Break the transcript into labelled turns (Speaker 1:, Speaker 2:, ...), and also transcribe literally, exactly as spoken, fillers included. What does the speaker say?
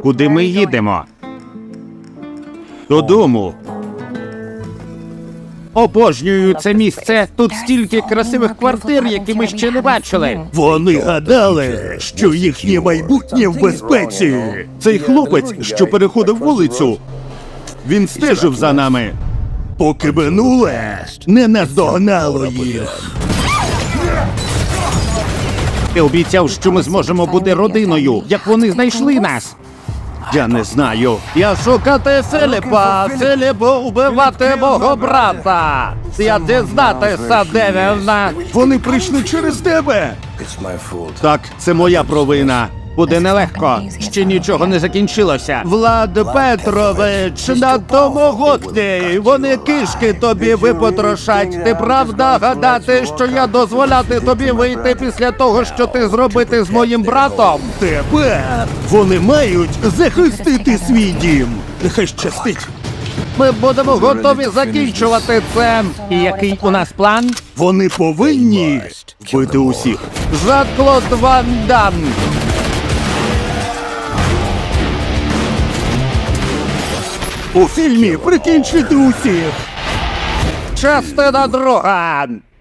Speaker 1: Куди ми їдемо? Додому. Обожнюю це місце. Тут стільки красивих квартир, які ми ще не бачили.
Speaker 2: Вони гадали, що їхнє майбутнє в безпеці.
Speaker 1: Цей хлопець, що переходив вулицю, він стежив за нами.
Speaker 2: Поки минуле не наздогнало їх.
Speaker 1: Ти обіцяв, що ми зможемо бути родиною. Як вони знайшли нас? Я не знаю. Я шукати Філіпа, Філіпу убивати мого брата. Я дізнатися, де він.
Speaker 2: Вони прийшли через тебе.
Speaker 1: Так, це моя провина. Буде нелегко. Ще нічого не закінчилося. Влад Петрович, надто могутній. Вони кишки тобі випотрошать. Ти правда гадати, що я дозволяти тобі вийти після того, що ти зробити з моїм братом?
Speaker 2: Тепер вони мають захистити свій дім. Нехай щастить.
Speaker 1: Ми будемо готові закінчувати це. І який у нас план?
Speaker 2: Вони повинні вбити усіх.
Speaker 1: Жан-Клод Ван Дам.
Speaker 2: У фільмі прикінчити усіх.
Speaker 1: Частина друга.